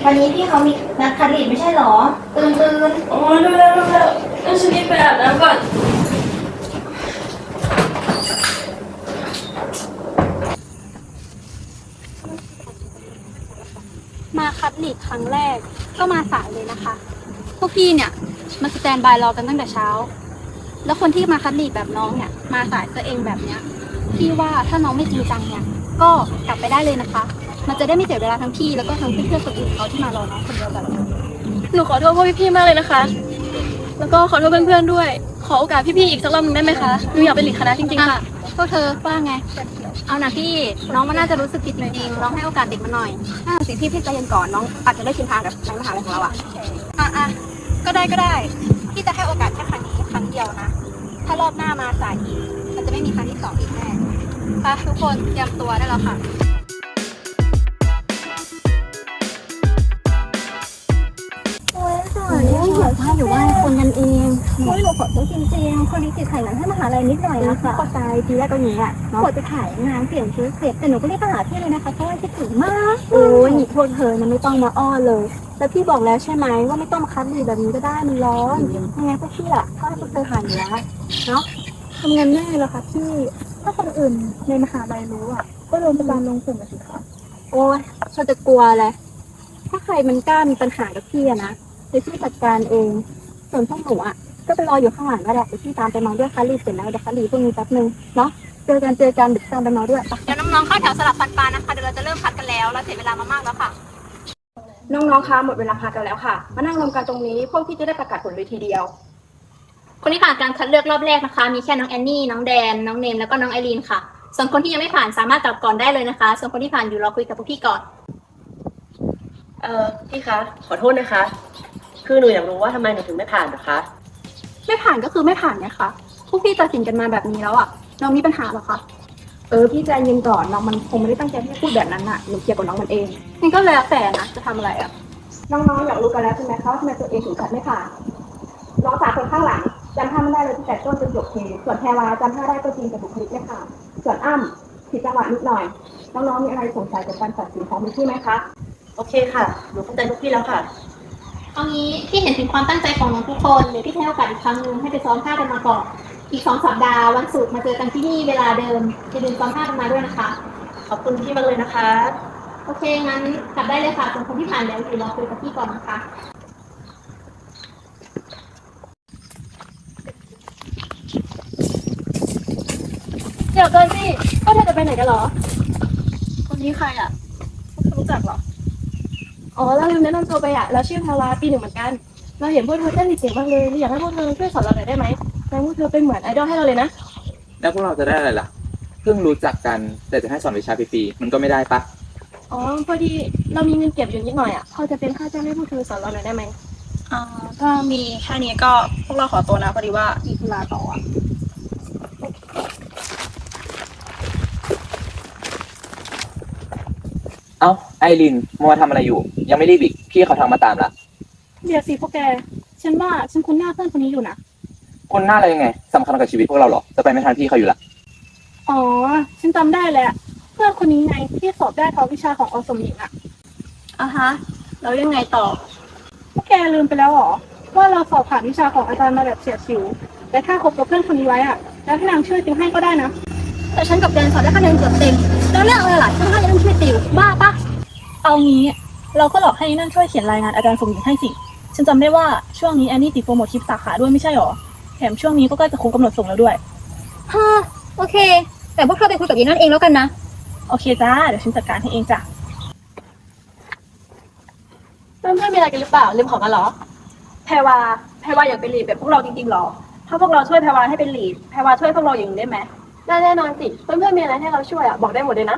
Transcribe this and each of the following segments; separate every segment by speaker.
Speaker 1: วันนี้พี่เขามีนัดคัดลีดไม่ใช่หรอตื่น
Speaker 2: โอ้ยเร็วงั้นฉันรีบไปอาบน้ำก่อน
Speaker 3: มาคัดลีดครั้งแรกก็มาสายเลยนะคะ พวกพี่เนี่ยมาสแตนบายรอกันตั้งแต่เช้า แล้วคนที่มาคัดลีดแบบน้องเนี่ยมาสายตัวเองแบบเนี้ยพี่ว่าถ้าน้องไม่จริงจังเนี่ยก็กลับไปได้เลยนะคะ มันจะได้ไม่เสียเวลาทั้งพี่แล้วก็ทั้งเพื่อนๆคนอื่นเขาที่มารอน้องคนเดียวกัน
Speaker 2: หนูขอโทษพวกพี่ๆมากเลยนะคะ แล้วก็ขอโทษเพื่อนๆด้วย ขอโอกาสพี่ๆอีกสักรอบนึงได้ไหมคะหนูอยากเป็นหลีดคณะจริงๆค่ะ
Speaker 3: พวกเธอว่าไง เอานะพี่น้องมันน่าจะรู้สึกผิดหน่อยจริงลองให้โอกาสเด็กมันหน่อยสิพี่ใจเย็นก่อนน้องอาจจะได้ชินทางกับในมหาลัยของเราอ่ะก็ได้พี่จะให้โอกาสแค่ครั้งนี้ครั้งเดียวนะถ้ารอบหน้ามาสายอีกมันจะไม่มีครั้งที่สองอีกแน่ค่ะทุกคนเตรียมตัวได้แล้วค่ะ
Speaker 1: อยู่บ้านคนกันเองหนูขอโทษจริงๆคนนี้ติดถ่ายหนังให้มหาลัยนิดหน่อยนะคะเข้าใจทีแรกก็อย่างเงี้ยขอจะถ่ายงานเปลี่ยนชุดเสร็จแต่หนูก็รีบมาหาพี่เลยนะคะเพราะว่าคิดถึงมากโอ้ยโทษเธอนะไม่ต้องมาอ้อนเลยแล้วพี่บอกแล้วใช่ไหมว่าไม่ต้องมาคัดลีดแบบนี้ก็ได้มันร้อนยังไงพวกพี่อ่ะก็ให้พวกเธอผ่านอยู่แล้วเนาะทำงานง่ายแล้วค่ะพี่ถ้าคนอื่นในมหาลัยรู้อ่ะก็โดนประจานลงกลุ่มสิคะโอ้ยเขาจะกลัวอะไรถ้าใครมันกล้ามีปัญหากับพี่อะนะเดี๋ยวพี่จัดการเองส่วนพวกหนูอ่ะก็ไปรออยู่ข้างหลังก็ได้เดี๋ยวพี่ตามไปเมาด้วยคัลลี่เสร็จแล้วเดี๋ยวคัลลี่พวกนี้แป๊บนึงเนาะเจอกันเดี๋ยวตามไปเมาด้วย
Speaker 3: เดี๋ยวน้องๆเข้าแถวสลับฟันปลานะคะเดี๋ยวเราจะเริ่มคัดกันแล้วเราเสียเวลามามากแล้วค่ะ
Speaker 4: น้องๆ คะหมดเวลาพักกันแล้วค่ะ มานั่งรวมกันตรงนี้พวกพี่จะได้ประกาศผลเลยทีเดียว
Speaker 3: คนที่ผ่านการคัดเลือกรอบแรกนะคะ มีแค่น้องแอนนี่น้องแดนน้องเนมแล้วก็น้องไอรีนค่ะส่วนคนที่ยังไม่ผ่านสามารถกลับก่อนได้เลยนะคะส่วนคนที่ผ่านอยู่รอคุยกับพวกพี่ก่อน
Speaker 2: พี่คะ ขอโทษนะคะ คือหนูอยากรู้ว่าทำไมหนูถึงไม่ผ่านนะคะ
Speaker 3: ไม่ผ่านก็คือไม่ผ่านนะคะพวกพี่ตัดสินกันมาแบบนี้แล้วอ่ะน้องมีปัญหาหรอคะ
Speaker 4: พี่ใจเย็นก่อนน้องมันคงไม่ได้ตั้งใจที่จะพูดแบบนั้นน่ะหนูเคลียร์กับน้องมันเอง
Speaker 3: งั้นก็แล้วแต่นะจะทำอะไรอ่ะ
Speaker 4: น้องๆ อยากรู้กันแล้วใช่ไหมคะว่าทำไมตัวเองถึงคัดไม่ผ่านน้องสาวคนข้างหลังจำท่าไม่ได้เลยตั้งแต่ต้นจนจบเพลงส่วนแพรวาจำท่าได้ก็จริงแต่บุคลิกไม่ผ่านส่วนอ้ำผิดจังหวะนิดหน่อยน้องๆ มีอะไรสงสัยกับการตัดสินของพี่ไหมคะ
Speaker 2: โอเคค่ะ หนูเข้าใจพวกพี่แล้วค่ะ
Speaker 3: เอางี้พี่เห็นถึงความตั้งใจของน้องทุกคนเดี๋ยวพี่ให้โอกาสอีกครั้งนึงให้ไปซ้อมท่ากันมาก่อนอีก2 สัปดาห์วันศุกร์มาเจอกันที่นี่เวลาเดิมอย่าลืมซ้อมท่ากันมาด้วยนะคะ
Speaker 2: ขอบคุณพี่มากเลยนะคะ
Speaker 3: โอเคงั้นกลับได้เลยค่ะส่วนคนที่ผ่านแล้วอยู่รอคุยกับพี่ก่อนนะคะ
Speaker 2: เดี๋ยวก่อนสิก็เธอจะไปไหนกันเหรอ คนนี้ใครอ่ะรู้จักเหรอ อ๋อเราลืมแนะนำตัวไปอ่ะเราชื่อภาวาปี 1เหมือนกัน เราเห็นพวกเธอเต้นเก่งมากเลยอยากให้พวกเธอช่วยสอนเราหน่อยได้ไหมแล้วพวกเธอเป็นเหมือนไอดอลให้เราเลยนะ
Speaker 5: แล้วพวกเราจะได้อะไรล่ะ เพิ่งรู้จักกัน แต่จะให้สอนวิชาฟรีๆมันก็ไม่ได้ปะ
Speaker 2: อ๋อพอดีเรามีเงินเก็บอยู่นิดหน่อยอ่ะพอจะเป็นค่าจ้างให้พวกเธอสอนเราหน่อยได้ไหมถ้ามีแค่นี้ก็พวกเราขอตัวนะพอดีว่ามีธุระต่ออ่ะ
Speaker 5: เอ้าไอรินมัวทำอะไรอยู่ ยังไม่รีบอีกพี่เขาทางมาตามละ
Speaker 2: เดี๋ยวสิพวกแกฉันว่าฉันคุ้นหน้าเพื่อนคนนี้อยู่นะ
Speaker 5: คนหน้าอะไรยังไงสำคัญกับชีวิตพวกเราเหรอ จะไปไม่ทันพี่เขาอยู่ละ
Speaker 2: อ๋อฉันจำได้แหละเพื่อนคนนี้ไงที่สอบได้ท็อปวิชาของอสมหญิงอ่ะ
Speaker 3: ฮะแล้วยังไงต่อ
Speaker 2: พวกแกลืมไปแล้วเหรอว่าเราสอบผ่านวิชาของอาจารย์มาแบบเฉียดฉิวแต่ถ้าคบกับเพื่อนคนนี้ไว้อ่ะแล้วพี่นางช่วยติวให้ก็ได้นะ
Speaker 3: แต่ฉันกับแดนสอบได้คะแนนเกือบเต็มแล้วเรื่องอะไรล่ะฉันให้ยังช่วยติวบ้าปะ
Speaker 6: เอางี้เราก็หลอกให้นั่นช่วยเขียนรายงานอาจารย์สมหญิงให้สิฉันจำได้ว่าช่วงนี้แอนนี่ติดโปรโมทคลิปสาขาด้วยไม่ใช่หรอแถมช่วงนี้ก็ใกล้จะครบกำหนดส่งแล้วด้วย
Speaker 3: ฮะโอเค แต่พวกเธอไปคุยกับยีนั่นเองแล้วกันนะ
Speaker 6: โอเคจ้าเดี๋ยวฉันจัดการให้เองจ้ะ
Speaker 2: เพื่อนๆมีอะไรกันหรือเปล่าลืมของกันเหรอแพรวาอยากเป็นลีดแบบพวกเราจริงๆหรอถ้าพวกเราช่วยแพรวาให้เป็นลีดแพรวาช่วยพวกเราอย่างนี้ได้ไหมได้แน่นอนสิเพื่อนๆมีอะไรให้เราช่วยอ่ะบอกได้หมดเลยนะ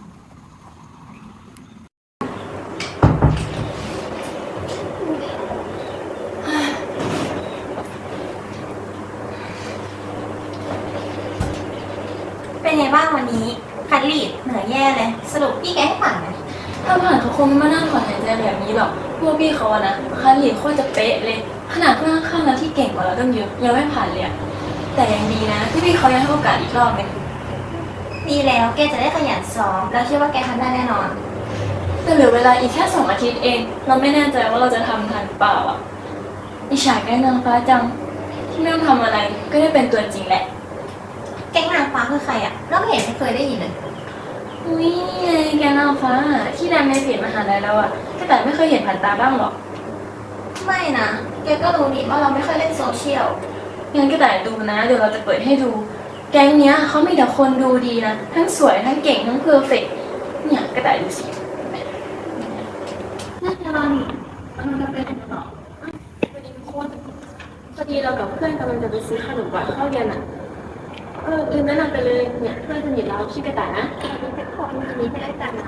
Speaker 1: เป็นไงบ้างวันนี้คัดลีดเหนื่อยแย่เลยสรุปพี่แกให้ผ่านไหม
Speaker 7: ถ้าผ่านเขาคงไม่มานั่งถอนหายใจแบบนี้หรอกพวกพี่เขาอะนะคันหลีโคตรจะเป๊ะเลยขนาดเพื่อนข้างๆเราที่เก่งกว่าเราตั้งเยอะยังไม่ผ่านเลยอะแต่ยังดีนะที่พี่เขายังให้โอกาสอีกรอบนึง
Speaker 1: ดีแล้วแกจะได้ขยันซ้อมแล้วเชื่อว่าแกทำได้แน่นอน
Speaker 7: แต่แต่เหลือเวลาอีกแค่2 อาทิตย์เอง เราไม่แน่ใจว่าเราจะทำทันเปล่าอ่ะอิจฉาแกนางฟ้าจังที่ไม่ต้องทำอะไรก็ได้เป็นตัวจริงแหละ
Speaker 1: แก๊งนางฟ้าคือใครอ่ะเราไม่เห็นไม่เคยได้ยินเลย
Speaker 7: อุ้ยนี่ไงแกนางฟ้าที่ดังในเพจมหาลัยเราอ่ะแต่ไม่เคยเห็นผ่านตาบ้างหรอ
Speaker 1: ไม่นะแกก็รู้นี่ว่าเราไม่ค่อยเล่นโซเชียล
Speaker 7: งั้นก็แต่ดูนะเดี๋ยวเราจะเปิดให้ดู แก๊งเนี้ยเขามีแต่คนดูดีนะทั้งสวยทั้งเก่งทั้งเพอร์เฟกต์เนี่ยก็แต่ดูสิ
Speaker 1: น่าจะรอนี่มันจะเป็นหรอ
Speaker 2: พอดีเรากับเพื่อนกำลังจะไปซื้อขนมก่อนเข้าเรียนอ่ะลืมแนะนำไปเลยเนี่ยเพื่อนสนิทเราชื่อกระต่ายนะ
Speaker 1: เป็นคนนี้ไม่ได้กันนะ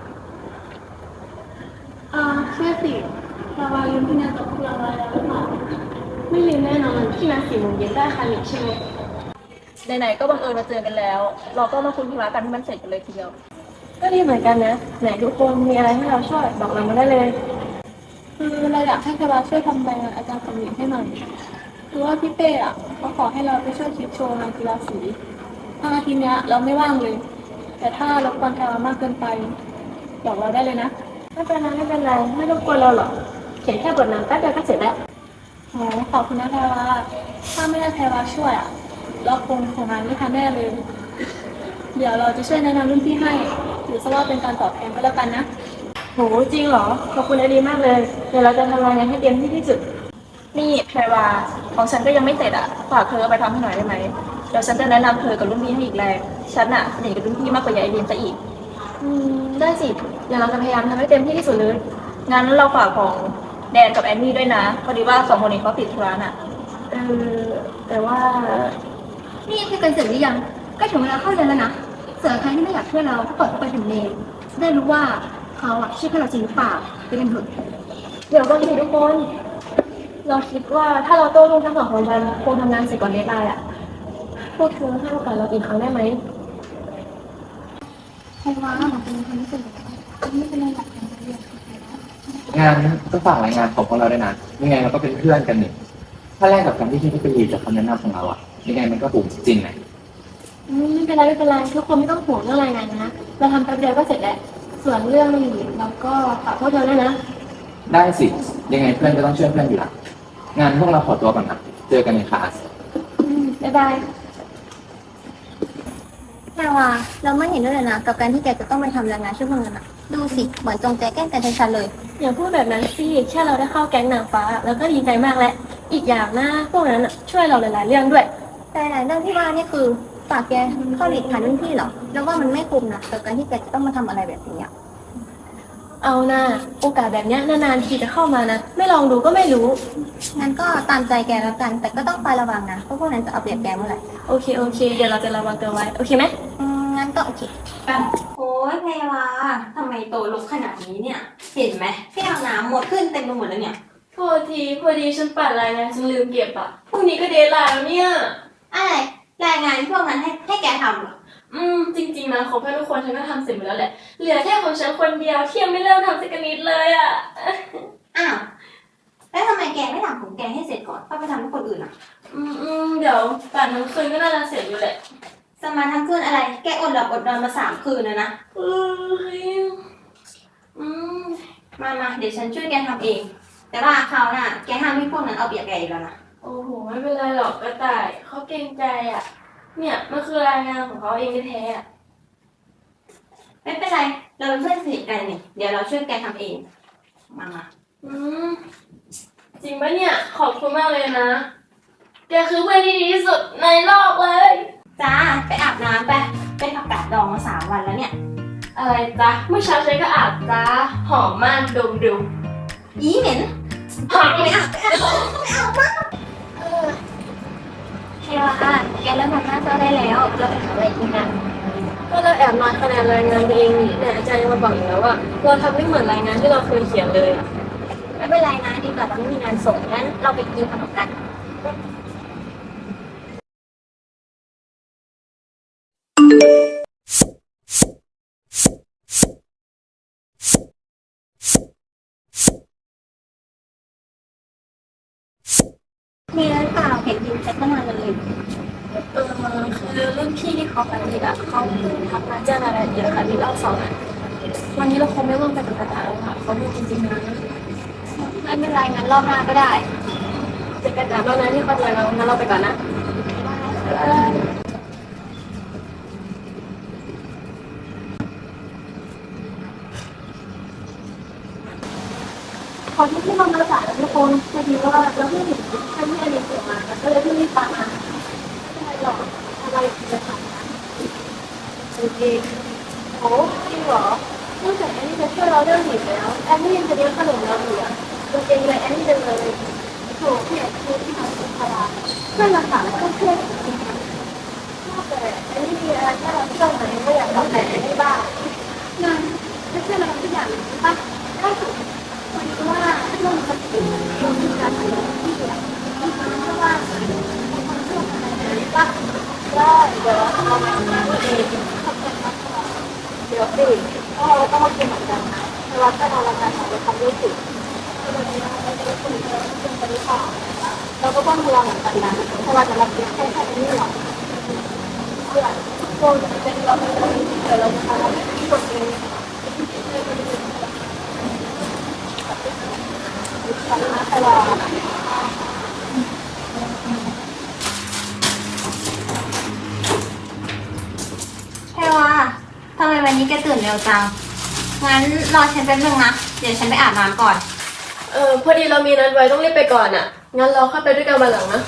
Speaker 2: เชื่อสิเราวาลืมที่นัดกับพวกเราไว้แล้วหรือเปล่าไม่ลืมแน่นอนที่นัด4 โมงเย็นได้ค่ะใช่ไหม
Speaker 3: ไหนๆก็บังเอิญมาเจอกันแล้ว เราก็มาคุยธุระกันให้มันเสร็จกันเลยทีเดียว
Speaker 2: ก็ดีเหมือนกันนะไหนทุกคนมีอะไรให้เราช่วยบอกเรามาได้เลยคือเราอยากให้คณะช่วยทำใบงานอาจารย์สมหญิงให้หน่อยคือว่าพี่เป้อะเขาขอให้เราไปช่วยคิดโชว์งานกีฬาสีทางอาทิตย์เนี้ยเราไม่ว่างเลย แต่ถ้ารบกวนแพรวามากเกินไปบอกเราได้เลยนะ
Speaker 3: ไม่เป็นไรไม่เป็นไรไม่รบกวนเราหรอกเขียนแค่บทนำแป๊บเดียวก็เสร็จแล้ว
Speaker 2: โอ้ขอบคุณนะแพรวาถ้าไม่ได้แพรวาช่วยอะเราคงงานไม่ทันแน่เลย เดี๋ยวเราจะช่วยแนะนำรุ่นพี่ให้ถือซะว่าเป็นการตอบแทนก็แล้วกันนะ
Speaker 3: โหจริงเหรอขอบคุณไอดีมากเลยเดี๋ยวเราจะทำรายงานให้เต็มที่ที่สุดนี่แพรวาของฉันก็ยังไม่เสร็จอ่ะฝากเธอเอาไปทำให้หน่อยได้ไหมเดี๋ยวฉันจะแนะนำเธอกับรุ่นพี่ให้อีกแรงฉันอ่ะสนิทกับรุ่นพี่มากกว่ายายไอดีมซะอีกได้สิเดี๋ยวเราจะพยายามทำให้เต็มที่ที่สุดเลยงั้นเราฝากของแดนกับแอนนี่ด้วยนะพอดีว่า2 คนนี้เขาติดธุระน่ะแต่ว่า
Speaker 1: นี่คุยกันเสร็จหรือยังก็ถึงเวลาเข้าเรียนแล้วนะส่วนใครที่ไม่อยากช่วยเราก็เปิดเข้าไปถึงเมลได้รู้ว่าเขาอะช่วยเราจริงหรือเปล่าไปกันเถอะ
Speaker 3: เดี๋ยวก่อนสิทุกคน เราคิดว่าถ้าเราโต้รุ่งทั้ง2 คนกันคงทำงานเสร็จก่อนเดดไลน์อ่ะพวกเธอให้โอกาสเราอีกครั้งได้ไหม
Speaker 1: ใครว่าเราเป็นคนที่สุดไม่เป็นไรหรอก
Speaker 5: งานก็ฝากรายงานของพวกเราด้วยนะยังไงเราก็เป็นเพื่อนกันนี่ถ้าแรกกับการที่พี่ไปรีจากคำแนะนำของเราอะยังไงมันก็ถูกจริงนะ
Speaker 2: ไม่เป็นไรไม่เป็นไรทุกคนไม่ต้องห่วงเรื่องรายงานนะเราทำแป๊บเดียวก็เสร็จแล้วส่วนเรื่องอื่นเราก็ฝากพวกเธอด้วยนะ
Speaker 5: ได้สิยังไงเพื่อนก็ต้องช่วยเพื่อนอยู่ละงานพวกเราขอตัวก่อนนะเจอกันในคลาส
Speaker 2: บ๊ายบาย
Speaker 1: แค่ว่าเราไม่เห็นด้วยเลยนะกับการที่แกจะต้องไปทำรายงานช่วยเพื่อนอะดูสิเหมือนจงใจแกล้งกันชัดๆเลย
Speaker 2: อย่าพูดแบบนั้นสิแค่เราได้เข้าแก๊งนางฟ้าแล้วก็ดีใจมากแล้วอีกอย่างนะพวกนั้นน่ะช่วยเราหลายๆเรื่องด้วย
Speaker 1: แต่หลายเรื่องที่ว่านี่คือฝากแกเข้าหลีกผ่านรุ่นพี่เหรอแล้วว่ามันไม่คุ้มนะกับการที่แกจะต้องมาทำอะไรแบบนี้อะ
Speaker 2: เอานะโอกาสแบบเนี้ยนานๆทีจะเข้ามานะไม่ลองดูก็ไม่รู้
Speaker 1: งั้นก็ตามใจแกแล้วกัน แต่ก็ต้องคอยระวังนะเพราะพวกนั้นจะเอาเปรียบแกเมื่อไหร่
Speaker 2: โอเคโอเคเดี๋ยวเราจะระวังตัวไว้โอเคไหม
Speaker 1: งั้นก็โอเค
Speaker 8: โอ้ยแพรวาทำไมโตลุกขนาดนี้เนี่ย เห็นไหมแก้วน้ำหมดขึ้นเต็มไปหมดแล้วเนี่ย
Speaker 7: โทษทีพอดีฉันปัดรายงานฉันลืมเก็บอ่ะพรุ่งนี้ก็เดทไลน์แล้วเนี่ย
Speaker 8: อะไรรายงานพวกนั้นให้แกทำเหรอ
Speaker 7: จริงๆนะของเพื่อนทุกคนฉันก็ทำเสร็จหมดแล้วแหละ เหลือแค่ของฉันคนเดียวที่ยังไม่เริ่มทำสักนิดเลยอ่ะ
Speaker 8: อ้าว แล้วทำไมแกไม่ทำของแกให้เสร็จก่อนก็ไปทำให้คนอื่นอ่ะ
Speaker 7: เดี๋ยวป่านทั้งคืนก็น่าจะเสร็จอยู่แหละ
Speaker 8: สมาทั้งคืนอะไร แกอดหลับอดนอนมา3 คืนแล้วนะ
Speaker 7: เฮ้ย
Speaker 8: มาเดี๋ยวฉันช่วยแกทำเอง แต่ว่าคราวหน้าแกห้ามให้พวกนั้นเอาเปรียบแกอีกแล้วนะ
Speaker 7: โอ้โหไม่เป็นไรหรอกกระต่ายเขาเกรงใจอ่ะ เนี่ยมันคือรายงานของเขาเองแท้ๆอ่ะ
Speaker 8: ไม่เป็นไร เราเป็นเพื่อนสนิทกันนี่เดี๋ยวเราช่วยแกทำเอง มา
Speaker 7: จริงปะเนี่ยขอบคุณมากเลยนะ แกคือเพื่อนที่ดีที่สุดในโลกเลย
Speaker 8: จ้า ไปอาบน้ำไปผักกาดดองมา3 วันแล้วเนี่ย
Speaker 7: อะไรจ๊ะเมื่อเช้าฉันก็อาบจ้าหอมมากดมดู
Speaker 8: อีเหม็น
Speaker 7: หอม
Speaker 8: ไม่อาบ
Speaker 1: เทวาแกเริ่มทำหน้าเจ้าได้แล้ว เราไปหาอะไรกินกัน
Speaker 2: ก็เราแอบมาคะแนนรายงานตัวเองนี่แต่อาจารย์ยังมาบอกอีกแล้วว่าเราทำไม่เหมือนรายงานที่เราเคยเขียนเลยอะ
Speaker 1: ไม่เป็นไรนะดีกว่าเราไม่มีงานส่งงั้นเราไปกินขนมกัน มีอะไรเปล่าเห็นยินแชทเข้ามาเลย
Speaker 2: คือรุ่นพี่ที่เขาไปนี่อะเขาเพิ่งทักมาแจ้งรายละเอียดค่ะที่เราสอนอะวันนี้เราคงไม่ร่วมไปกับกระต่ายอโทษจริงๆนะ
Speaker 3: ไม่เป็นไรงั้นรอบหน้าก็ได้
Speaker 2: เจอกันจากรอบนั้นที่เข้าใจเรางั้นเราไปก่อนนะ
Speaker 6: ขอที่เรามาสายแล้วทุกคนพอดีว่าเราเพิ่งเห็นแค่ที่อันนี้เกิดมาก็เลยเพิ่งรีบตามมาไม่เป็นไรหรอกอะไรจะผ่านนะโอเคโอ้จริงเหรอนอกจากแอนนี่จะช่วยเราเรื่องหิวแล้วแอนนี่ยังจะเลี้ยงขนมเราอยู่อ่ะจริงๆเลยแอนนี่จะเลยโถเนี่ยคือที่ทำสุขภาพเพื่อนเราถามก็เพื่อนจริงๆนอกจากแอนนี่มีอะไรที่เราช่วยไหมก็อยากตอบแทนแอนนี่บ้างงั้นจะช่วยเราทุกอย่างป่ะได้ถูกพอดีว่าเรื่องสติเรามีการทำงานที่เดียวเพราะว่าคนช่วยอะไรป่ะได้เดี๋ยวเราไปทำงานเองขอบคุณมากเดี๋ยวสิก็เราต้องมากินเหมือนกันนะแต่ว่าถ้าเราทำเราทำด้วยสิวันนี้เราจะได้คุยกันเรื่องปฏิภาณเราก็ต้องระวังเหมือนกันนะเพราะว่าจะรับเลี้ยงแค่นี้หรอกเพื่อนโดนเป็นเราไม่ได้เดี๋ยวเราจะทำที่ตัวเองแต่ว่า
Speaker 8: แพรวาทำไมวันนี้แกตื่นเร็วจัง งั้นรอฉันแป๊บนึงนะ เดี๋ยวฉันไปอาบน้ำก่อน
Speaker 2: พอดีเรามีนัดไว้ต้องรีบไปก่อนอ่ะ งั้นเราเข้าไปด้วยกันวันหลังนะ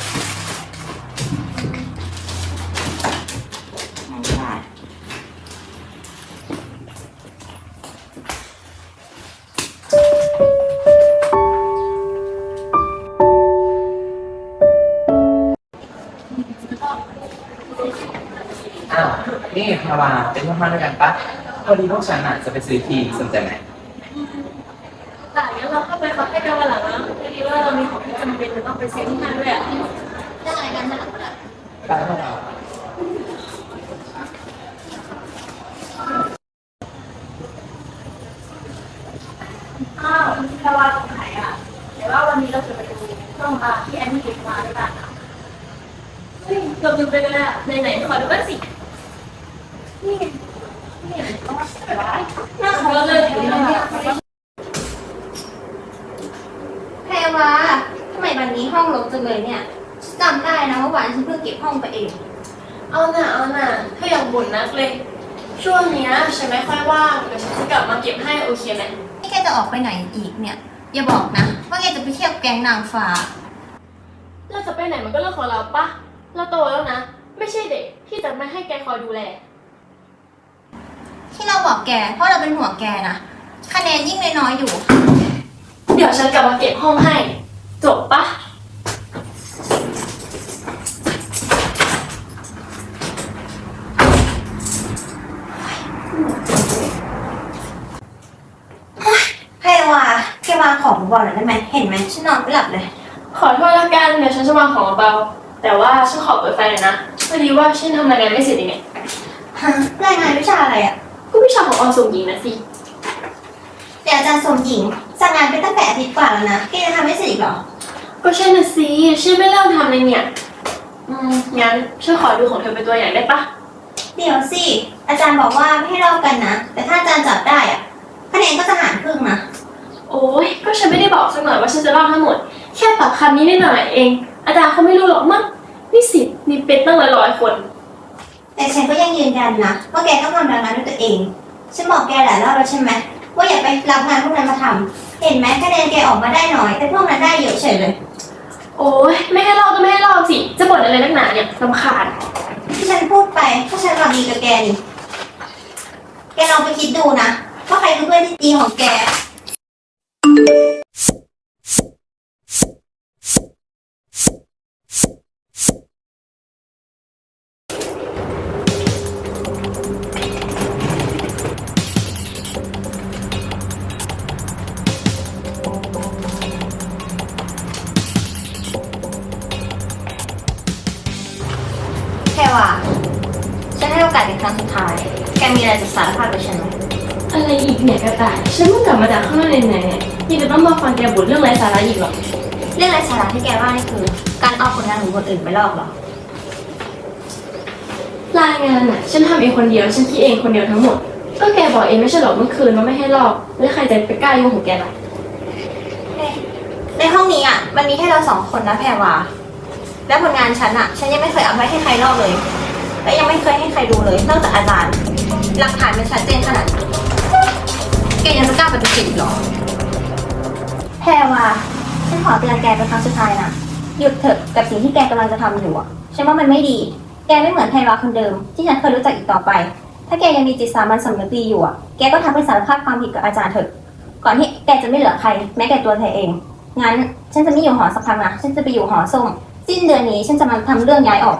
Speaker 5: อ้าว นี่พาวาเป็นเพื่อนบ้านด้วยกันปะพอดีพวกฉันอ่ะจะไปซื้อทีสนใจไหม
Speaker 2: แต่งั้นเราเข้าไปขอให้กันวันหลังนะพอดีว่าเรามีของที่จำเป็นจะต้องไปซื้อที่นั่นด้วยอ่ะ
Speaker 3: เรื่องอะไรกันถนัดถนัด
Speaker 5: ไปพวกเรา
Speaker 6: อ้าวแพรวาตรงไหนอ่ะเดี๋ยวว่าวันนี้เราจะไปดูเครื่องบาร์ที่แอนนี่เก็บมาด้วยกันอ่ะ
Speaker 2: เฮ้ยเกือบลืมไปเลยอ่ะไหนๆขอดูบ้างสิ
Speaker 6: นี่ไงนี่ต้องมาใส่ร้าย
Speaker 2: น่าขอเลย
Speaker 8: แพรวาทำไมวันนี้ห้องรกจังเลยเนี่ยฉันจำได้นะว่าวันฉันเพิ่งเก็บห้องไปเอง
Speaker 2: เอาน่ะถ้าอยากบ่นนักเลย ช่วงเนี้ยฉันไม่ค่อยว่างเดี๋ยวฉันจะกลับมาเก็บให้โอเคไหม
Speaker 8: นี่แกจะออกไปไหนอีกเนี่ย อย่าบอกนะ ว่าแกจะไปเที่ยวแก๊งนางฟ้า
Speaker 2: เราจะไปไหนมันก็เรื่องของเราปะเราโตแล้วนะ ไม่ใช่เด็กที่จะไม่ให้แกคอยดูแล
Speaker 8: ที่เราบอกแก เพราะเราเป็นห่วงแกนะคะแนนยิ่งน้อยๆอยู่
Speaker 2: เดี๋ยวฉันกลับมาเก็บห้องให้ จบปะ
Speaker 8: แพรวาแกวางของบอลหน่อยได้ไหมเห็นไหมฉันนอนไม่หลับเลย
Speaker 2: ขอโทษละกันเดี๋ยวฉันจะวางของเบาๆแต่ว่าฉันขอเปิดไฟหน่อยนะพอดีว่าฉันทำรายงานไม่เสร็จยังไง
Speaker 8: ฮะรายงานวิชาอะไรอ่ะ
Speaker 2: ก็วิชาของอส่งหญิงนะสิ
Speaker 8: เดี๋ยวอาจารย์สมหญิงสั่งงานไปตั้งแต่อาทิตย์กว่าแล้วนะแกจะทำไม่เสร็จอีกเหรอ
Speaker 2: ก็ใช่น่ะสิฉันไม่เริ่มทำเลยเนี่ยงั้นฉันขอดูของเธอเป็นตัวอย่างได้ปะ
Speaker 8: เดี๋ยวสิ อาจารย์บอกว่าไม่ให้ลอกกันนะ แต่ถ้าอาจารย์จับได้อ่ะคะแนนก็จะหารครึ่งนะ
Speaker 2: โอ้ยก็ฉันไม่ได้บอกสักหน่อยว่าฉันจะเล่าทั้งหมด แค่ปรับคำนี้นิดหน่อยเอง อาจารย์เขาไม่รู้หรอกมั้งนิสิตมีเป็นตั้งร้อยคน
Speaker 8: แต่ฉันก็ยังยืนยันนะว่าแกต้องทำรายงานด้วยตัวเอง ฉันบอกแกหลายรอบแล้วใช่ไหมว่าอย่าไปรับงานพวกนั้นมาทำเห็นไหมคะแนนแกออกมาได้น้อย แต่พวกนั้นได้เยอะเฉยเลย
Speaker 2: โอ้ยไม่ให้เล่าก็ไม่ให้เล่าสิ จะบ่นอะไรนักหนาเนี่ยรำคาญ
Speaker 8: ที่ฉันพูดไปเพราะฉันหวังดีกับแกนี่แกลองไปคิดดูนะว่าใครคือเพื่อนที่ดีของแก แค่ว่าฉันให้โอกาสเป็นครั้งสุดท้าย แกมีอะไรจะสารภาพกับฉันไหม
Speaker 2: อะไรอีกเนี่ยกระต่ายฉันเพิ่งกลับมาจากข้างนอกไหนๆเนี่ยยังจะต้องมาฟังแกบ่นเรื่องไร้สาระอีกหรอ
Speaker 8: เรื่องไร้สาระที่แกว่านี่คือ การเอาผลงานของคนอื่นไปลอกเหรอ
Speaker 2: รายงานน่ะฉันทำเองคนเดียวฉันคิดเองคนเดียวทั้งหมด
Speaker 7: ก็แกบอกเองไม่ใช่หรอเมื่อคืนว่าไม่ให้ลอกแล้วใครจะไปกล้ายุ่งของแกล่ะ
Speaker 8: ในห้องนี้อ่ะมันมีแค่เรา2 คนนะแพรวาและผลงานฉันอ่ะฉันยังไม่เคยเอาไปให้ใครลอกเลย และยังไม่เคยให้ใครดูเลยนอกจากอาจารย์ หลักฐานมันชัดเจนขนาดนี้แกยังจะกล้าปฏิเสธอีกเหรอแพรวาฉันขอเตือนแกเป็นครั้งสุดท้ายนะหยุดเถอะกับสิ่งที่แกกำลังจะทำอยู่อ่ะฉันว่ามันไม่ดี แกไม่เหมือนแพรวาคนเดิม ที่ฉันเคยรู้จักอีกต่อไป ถ้าแกยังมีจิตสามัญสำนึกดีอยู่อ่ะแกก็ทำให้สารภาพความผิดกับอาจารย์เถอะก่อนที่แกจะไม่เหลือใครแม้แต่ตัวเธอเองงั้นฉันจะไม่อยู่หอสักพักนะฉันจะไปอยู่หอส้มสิ้นเดือนนี้ฉันจะมาทำเรื่องย้ายออก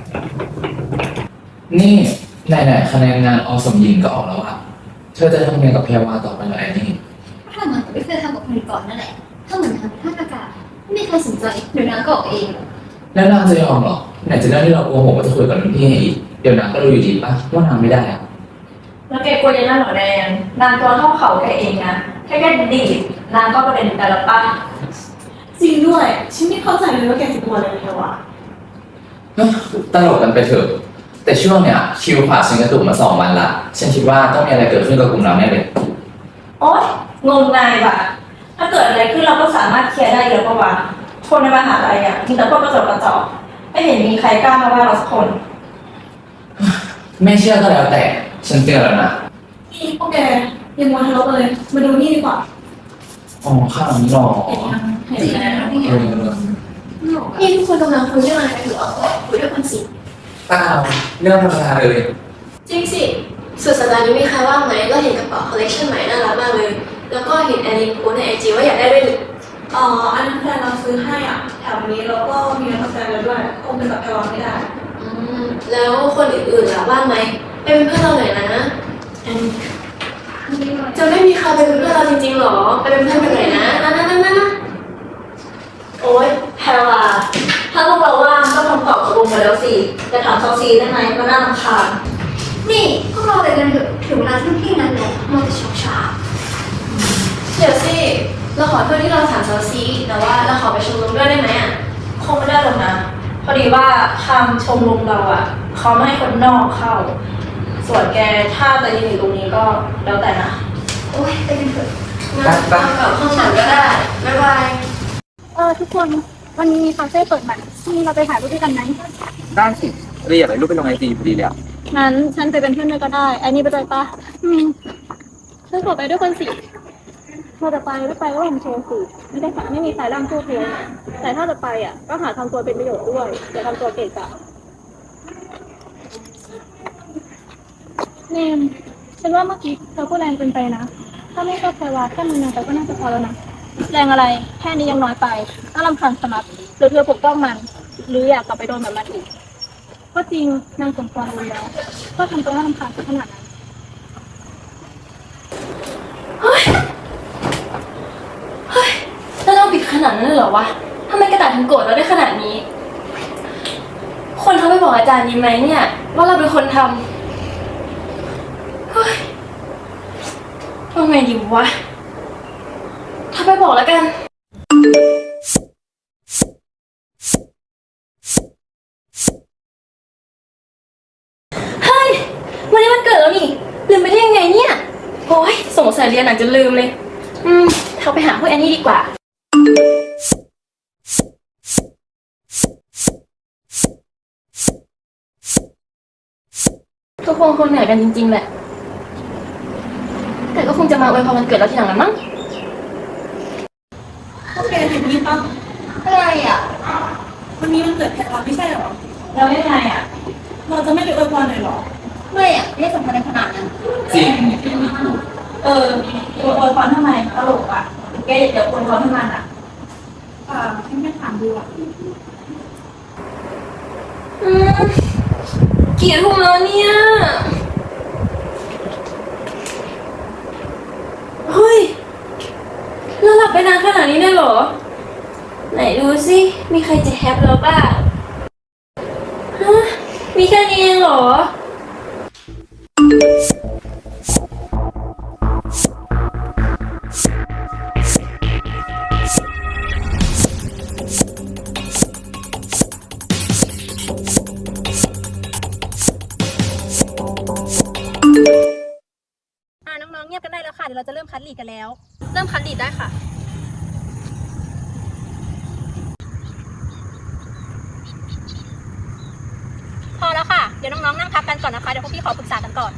Speaker 5: นี่ไหนๆคะแนนงานอสมหญิงก็ออกแล้วอะเธอจะทำยังไงกับแพรวาต่อไปเหรอแอนนี่
Speaker 1: ถ้ามันไม่เคยทำกับคนก่อนนั่นแหละ ถ้าเหมือนทำท่าอากาศไม่มีใครสนใจเดี๋ยวนางก็ออกเอง
Speaker 5: แล้วนางจะยอมเหรอไหนจะเรื่องที่เราโกหกว่าจะคุยกับรุ่นพี่อีกเดี๋ยวนางก็รู้อยู่ดีป่ะว่านางไม่ได้อะ
Speaker 7: แล้วแกกลัวยังไงหรอแดงนางตัวเท่าเขาแกเองนะแค่ดีดนางก็ประเด็นแต่ละป้า
Speaker 6: จริงด้วยฉันไม่เข้าใจเลยว่าแกจะกลัวอะไรเลยวะ
Speaker 5: ตลกกันไปเถอะแต่ช่วงเนี้ยคิวผ่าฉันกระตุกมา2 วันละฉันคิดว่าต้องมีอะไรเกิดขึ้นกับกลุ่มเราแน่เลย
Speaker 7: โอ๊ยงมงายว่ะถ้าเกิดอะไรขึ้นเราก็สามารถเคลียร์ได้เยอะกว่าคนในมหาลัยอ่ะมีแต่พวกกระจอกไม่เห็นมีใครกล้ามาว่าเราสักคน
Speaker 5: ไม่เชื่อก็แล้วแต่ฉันเตือนแล้วนะ
Speaker 6: นี่พวกแกยังมัวทะเลาะกันเลยมาดูนี่ดีกว่า
Speaker 5: อ๋อข้าวนี้หรอ
Speaker 6: เห็นยังเห็นแล้ว
Speaker 7: นี่ทุกคนกำลังคุยเรื่องอะไรกันอยู่คุยด้วยคนสิ
Speaker 5: เปล่าเรื่องธรรมดาเลย
Speaker 7: จริงสิสุดสัปดาห์นี้มีใครว่างไหมก็เห็นกระเป๋าคอลเลคชันใหม่น่ารักมากเลย แล้วก็เห็นแอนนี่โพสในไอจีว่าอยากได้ด้วยนี่
Speaker 6: อ๋ออันนั้นแฟนเราซื้อให้อ่ะแถวนี้แล้วก็มีนักแฟนเราด้วยคงเป็นกับแพรวาไม่ได้
Speaker 7: แล้วคนอื่นๆล่ะว่างไหมไปเป็นเพื่อนเราหน่อยนะจะไม่มีใครเป็นเพื่อนเราจริงๆหรอไปเป็นเพื่อนกันหน่อยนะนะโอ๊ยแพรวาถ้าพวกเราว่างก็ทำตอบตกลงมาแล้วสิจะถามซอซีได้ไหมมันน่ารำคาญ
Speaker 1: นี่พวกเราไปกันเถอะถึงเวลาที่พี่นั้นแล้วมันจะช้า
Speaker 7: เดี๋ยวสิเราขอโทษที่เราถามซอซีแต่ว่าเราขอไปชมรมด้วยได้ไหมอ่ะคงไม่ได้หรอกนะพอดีว่าทางชมรมเราอ่ะเขาไม่ให้คนนอกเข้า ส่วนแกถ้าจะยืนอยู่ตรงนี้ก็แล้วแต่นะ
Speaker 1: โอ๊ยไปกันเถอะ
Speaker 7: งั้นทำกับข้างหลังก็ได้บ๊ายบาย
Speaker 1: ทุกคนวันนี้มีคาเฟ่เปิดใหม่ที่เราไปถ่ายรูปด้วยกันไหม
Speaker 5: ได้สิเรียกอะไรรูปไปลงไอจีพอดีเลยอะ
Speaker 1: งั้นฉันไปเป็นเพื่อนด้วยก็ได้ไอ้นี่ไปด้วยปะฉันขอไปด้วยคนสิเธอจะไปไม่ไปก็ลองโชว์สิไม่ได้ค่ะไม่มีใครร่ำสู้เธอแต่ถ้าจะไปอ่ะก็หาทำตัวเป็นประโยชน์ด้วยอย่าทำตัวเกะกะเนมฉันว่าเมื่อกี้เธอพูดแรงเกินไปนะถ้าไม่ชอบใครว่าแค่มึงยังไปก็น่าจะพอแล้วนะแรงอะไรแค่นี้ยังน้อยไปน่ารำคาญสมัครหรือเธอปกป้องมัน หรืออยากกลับไปโดนแบบมันอีกก็จริงนางสมควรรู้แล้วก็ทำตัวน่ารำคาญขนาดนั้น
Speaker 7: แล้วเราผิดขนาดนั้นเลยเหรอวะทำไมกระดาษถึงโกรธเราได้ขนาดนี้ คนเขาไปบอกอาจารย์นี้ไหมเนี่ยว่าเราเป็นคนทำเฮ้ยทำไงดีวะถ้าไปบอกแล้วกัน เฮ้ยวันนี้มันเกิดแล้วนี่ลืมไปได้ยังไงเนี่ยโอ้ยสงสัยเรียนหนักจนลืมเลยเขาไปหาพวกแอนนี่ดีกว่าทุกคนคงเหนื่อยกันจริงๆแหละแต่ก็คงจะมาอวยพรวันเกิดเราทีหลังละมั้ง
Speaker 6: พวกแกเห็นนี่ปะ
Speaker 1: อะไรอ่ะ
Speaker 6: วันนี้มันเกิดแพรวาไม่ใช่เหรอ
Speaker 7: แล้วยังไงอ่ะ
Speaker 6: เราจะไม่ไปอวยพรเลยเหรอ
Speaker 1: ไม่อ่ะไม่สำคัญในขนาดนั้น
Speaker 5: จริง
Speaker 6: อวยพรทำไมตลกอ่ะแกอย่าอวยพรให้มันอ่ะฉันไม่ถามดูอ่ะ
Speaker 7: กี่ทุ่มแล้วเนี่ย เฮ้ย เราหลับไปนานขนาดนี้ได้เหรอ ไหนดูสิ มีใครจะแฮปเราบ้างฮะมีแค่นี้เองเหรอ
Speaker 3: ลีดกันแล้ว
Speaker 2: เริ่มคัดลีดได้ค่ะ
Speaker 3: พอแล้วค่ะ เดี๋ยวน้องๆนั่งพักกันก่อนนะคะ เดี๋ยวพวกพี่ขอปรึกษากันก่อน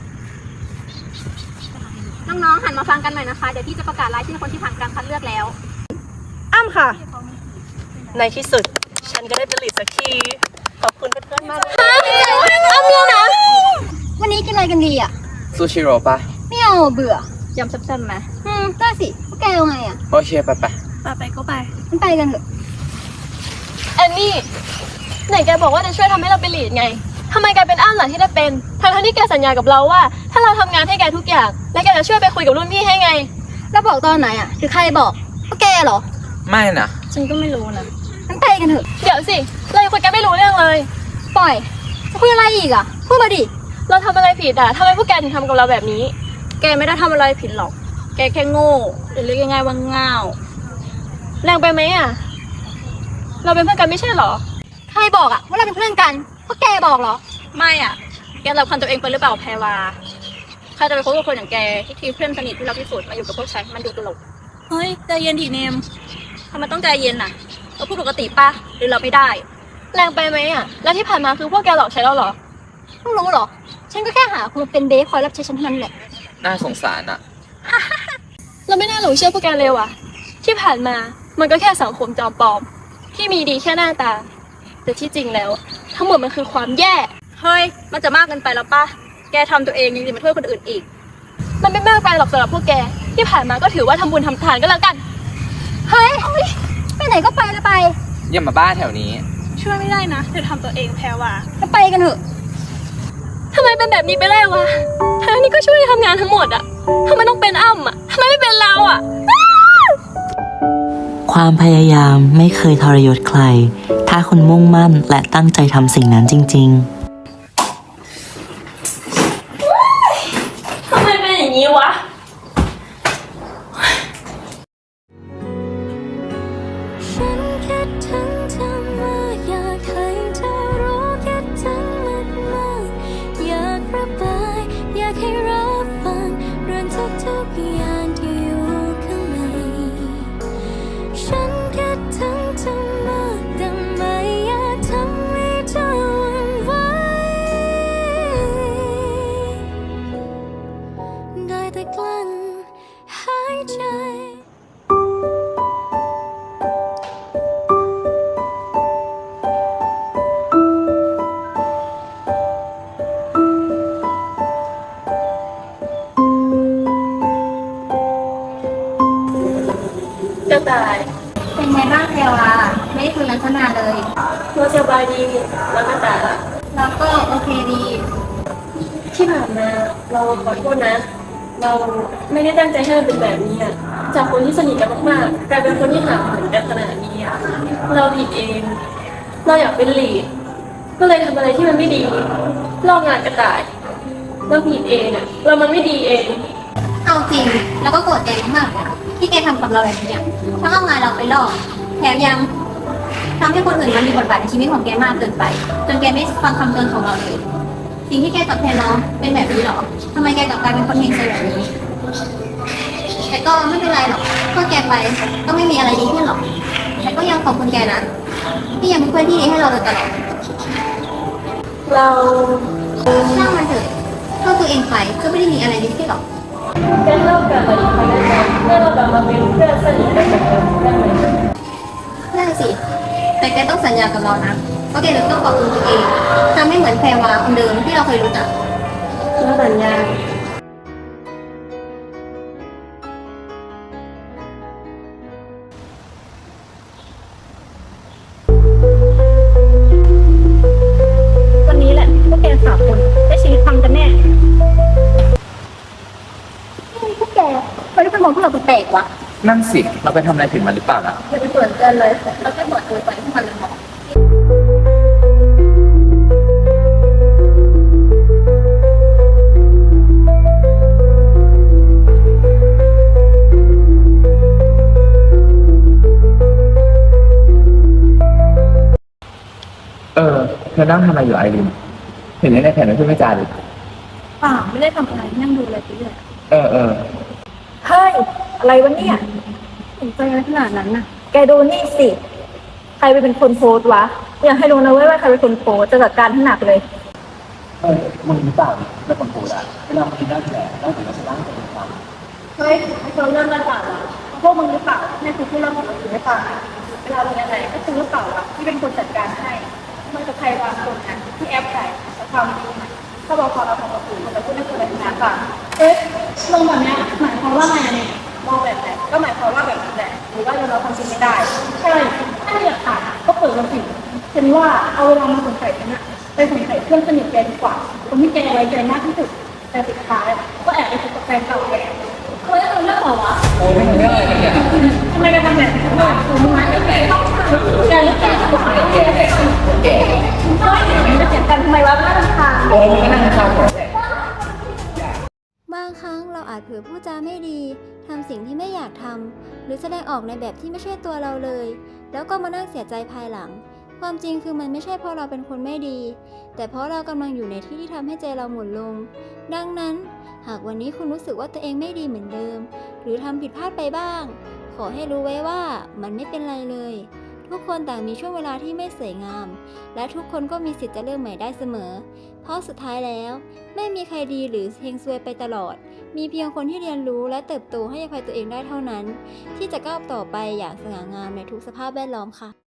Speaker 3: น้องๆหันมาฟังกันหน่อยนะคะ เดี๋ยวพี่จะประกาศรายชื่อคนที่ผ่านการคัดเลือกแล้ว
Speaker 2: อ้ำค่ะ ในที่สุด ฉันก็ได้เป็นลีดสักที ขอบคุณเพื่อนๆมากเลย
Speaker 3: อ้ำเลือกนะ วันนี้กินอะไรกันดีอ่ะ
Speaker 5: ซูชิโร่ปะ
Speaker 3: ไม่เอาเบื่อยำแซ่บๆไหมได้สิพวกแกเอาไงอ่ะ
Speaker 5: โอเคไป
Speaker 2: ไปก็ไป
Speaker 3: มันไปกันเถอะ
Speaker 2: แอนนี่ ไหนแกบอกว่าจะช่วยทำให้เราเป็นลีดไง ทำไมแกเป็นอ้ำล่ะที่ได้เป็น ทั้งที่แกสัญญากับเราว่า ถ้าเราทำงานให้แกทุกอย่าง และแกจะช่วยไปคุยกับรุ่นพี่ให้ไง
Speaker 3: แล้วบอกตอนไหนอ่ะหรือใครบอกพวกแกเหรอ
Speaker 5: ไม่นะ
Speaker 2: ฉันก็ไม่รู้นะ
Speaker 3: มันไปกันเถอะ
Speaker 2: เดี๋ยวสิ เรายังคุยกันไม่รู้เรื่องเลย
Speaker 3: ปล่อยจะคุยอะไรอีกอ่ะพูดมาดิ
Speaker 2: เราทำอะไรผิดอ่ะทำไมพวกแกถึงทำกับเราแบบนี้ แกไม่ได้ทำอะไรผิดหรอก แกแค่โง่หรือเรียกง่ายๆว่าง่าวแรงไปไหมอ่ะ เราเป็นเพื่อนกันไม่ใช่หรอ
Speaker 3: ใครบอกอ่ะว่าเราเป็นเพื่อนกันพวกแกบอกเหรอ
Speaker 2: ไม่อ่ะ แกรับความตัวเองไปหรือเปล่าแพรวาใครจะไปคบกับคนอย่างแกที่ทีเพื่อนสนิทที่เราที่สุดมาอยู่กับพวกฉันมันดูตลก เฮ้ยใจเย็นดิเนมทำไมต้องใจเย็นน่ะ เราพูดปกติปะหรือเราไม่ได้ แรงไปไหมอ่ะ แล้วที่ผ่านมาคือพวกแกหลอกใช้เราเหรอ
Speaker 3: เพิ่งรู้เหรอ ฉันก็แค่หาคุณมาเป็นเบสคอยรับใช้ฉันเท่านั้นแหละ
Speaker 5: น่าสงสารอะ
Speaker 2: เราไม่น่าหลงเชื่อพวกแกเลยว่ะ ที่ผ่านมามันก็แค่สังคมจอมปลอม ที่มีดีแค่หน้าตา แต่ที่จริงแล้ว ทั้งหมดมันคือความแย่ เฮ้ย มันจะมากเกินไปแล้วป่ะ แกทำตัวเองยังจะมาโทษคนอื่นอีก มันไม่มากไปหรอกสำหรับพวกแก ที่ผ่านมาก็ถือว่าทำบุญทำทานก็แล้วกัน
Speaker 3: เฮ้ยไปไหนก็ไปเลยไป
Speaker 5: อย่ามาบ้าแถวนี้
Speaker 2: ช่วยไม่ได้นะเธอทำตัวเองแพ้ว่ะ
Speaker 3: ก็ไปกันเถอะ
Speaker 2: ทำไมเป็นแบบนี้ไปได้วะทั้งนี้ก็ช่วยทำงานทั้งหมดอะทำไมต้องเป็นอ้ำอะทำไมไม่เป็นเราอะ
Speaker 9: ความพยายามไม่เคยทรยศใคร ถ้าคุณมุ่งมั่นและตั้งใจทำสิ่งนั้นจริง ๆ
Speaker 7: ทำไมเป็นอย่างนี้วะ
Speaker 6: ฉันคิดถึงเธอมาอยากให้เธอรู้คิดถึงมากๆอยากระบายอยากให้รับฟังเรื่องทุกๆอย่างที่อยู่ข้างในฉันคิดถึงเธอมากแต่ไม่อยากทำให้เธอหวั่นไหวได้แต่กลั้นหายใจ
Speaker 2: กระต่าย
Speaker 3: เป็นไงบ้างแพรวาไม่ได้คุยกันตั้งนานเลย
Speaker 2: เราสบายดีแล้วกระต่ายล่ะ
Speaker 3: แล้วก็โอเคดี
Speaker 2: ที่ผ่านมาเราขอโทษนะ เราไม่ได้ตั้งใจให้มันเป็นแบบนี้อะจากคนที่สนิทกันมากๆกลายเป็นคนที่ห่างเหินกันขนาดนี้อะเราผิดเอง เราอยากเป็นลีดก็เลยทำอะไรที่มันไม่ดีลอกงานกระต่าย เราผิดเองอะเรามันไม่ดีเอง
Speaker 3: เอาจริงแล้วก็โกรธแกมากๆนะที่แกทำกับเราแบบนี้อะทั้งเอางานเราไปหลอกแถมยังทำให้คนอื่นมันมีบทบาทในชีวิตของแกมากเกินไป จนแกไม่ฟังคำเตือนของเราเลย สิ่งที่แกตอบแทนน้องเป็นแบบนี้หรอทำไมแกกลับกลายเป็นคนเฮงซะแบบนี้ แต่ก็ไม่เป็นไรหรอกก็แกไปก็ไม่มีอะไรดีขึ้นหรอก แต่ก็ยังขอบคุณแกนะที่ยังเป็นเพื่อนที่ดีให้เราโดยตลอด
Speaker 2: เรา
Speaker 3: ช่างมันเถอะโทษตัวเองไปก็ไม่ได้มีอะไรดีขึ้นหรอก
Speaker 2: เป็นเลิกกันมาอีกครั้งได้ไหมให้เรากลับมาเป็นเพื่อนสนิทกันเหมือนเดิมได้ไหม
Speaker 3: ได้สิ แต่แกต้องสัญญากับเรานะว่าแกจะต้องปรับปรุงตัวเองทำให้เหมือนแพรวาคนเดิมที่เราเคยรู้จัก
Speaker 2: เราสัญญา
Speaker 1: วันนี้แหละพวกแกสามคนได้ชีวิตพังกันแน่พวกแกไม่ได้เป็นมองพวกเราแปลกๆวะ
Speaker 5: นั่นสิ เราไปทำอะไรผิดมันหรือเปล่านะ
Speaker 3: อย่าไปสวนเกินเลยเราแค่บอกตัวไปให้มันเลยมอง
Speaker 5: เธอนั่งทำอะไรอยู่ไอรินเห็นในแผนไม่พูดไม่จาเลย
Speaker 1: เปล่าไม่ได้ทำอะไรนั่งดูอะไรไปเรื่อย
Speaker 5: เออ
Speaker 2: เฮ้
Speaker 1: ฮ้ย อะไรวะเนี่ย
Speaker 2: สนใจอะไรขนาดนั้นน่ะ
Speaker 1: แกดูนี่สิ ใครเป็นคนโพสต์วะ อยากให้รู้นะเว้ยว่าใครเป็นคนโพสต์จะจัดการให้หนักเลย
Speaker 5: มึงหรือเปล่าเป็นคนโพสอะเวลามันกินได้แผลได้ถึงจะชนะตัวเองฟัง
Speaker 2: เฮ้ยเราเริ่มระบาดแล้วพวกมึงหรือเปล่าให้คุณพูดเรื่องของเราถึงไม่ฟังเวลาเป็นอะไรก็คือหรือเปล่าวะที่เป็นคนจัดการให้มันจะใครบางคนนะที่แอปใส่แต่ความจริงนะถ้าบอกพอเราทำกับคุณมันจะพูดไม่เคยชนะฟังเอ๊ะลงแบบเนี้ยหมายความว่าไงเนี่ยมองแบบไหนก็หมายความว่าแบบนั้นแหละหรือว่าเราความจริงไม่ได้ใช่ถ้าอยากถามก็เปิดกันสิฉันว่าเอาเวลามาสงสัยฉันอะไปสงสัยเพื่อนสนิทแกดีกว่าคนที่แกไว้ใจมากที่สุดแต่สุดท้ายก็แอบไปคบกับแฟนเก่าแกเคยเอาเรื่องเหรอวะ
Speaker 5: โอ้ยไม่เรื่องอะไรกันเนี่ย
Speaker 2: ทำไมกันทำแบบนี้วะมึงมาแก่ต้องแกหรือแกจะบอกแกจะเสียกันทำไมวะน่ารำคาญ
Speaker 5: โอ้ยมึงก็นั่งข้างหัว
Speaker 10: บางครั้งเราอาจเผลอพูดจาไม่ดีทำสิ่งที่ไม่อยากทำหรือแสดงออกในแบบที่ไม่ใช่ตัวเราเลย แล้วก็มานั่งเสียใจภายหลัง ความจริงคือมันไม่ใช่เพราะเราเป็นคนไม่ดี แต่เพราะเรากำลังอยู่ในที่ที่ทำให้ใจเราหมุนลง ดังนั้น หากวันนี้คุณรู้สึกว่าตัวเองไม่ดีเหมือนเดิม หรือทำผิดพลาดไปบ้าง ขอให้รู้ไว้ว่ามันไม่เป็นไรเลย ทุกคนต่างมีช่วงเวลาที่ไม่สวยงาม และทุกคนก็มีสิทธิ์จะเริ่มใหม่ได้เสมอ เพราะสุดท้ายแล้ว ไม่มีใครดีหรือเฮงซวยไปตลอด มีเพียงคนที่เรียนรู้และเติบโตให้อภัยตัวเองได้เท่านั้น ที่จะก้าวต่อไปอย่างสง่างามในทุกสภาพแวดล้อมค่ะ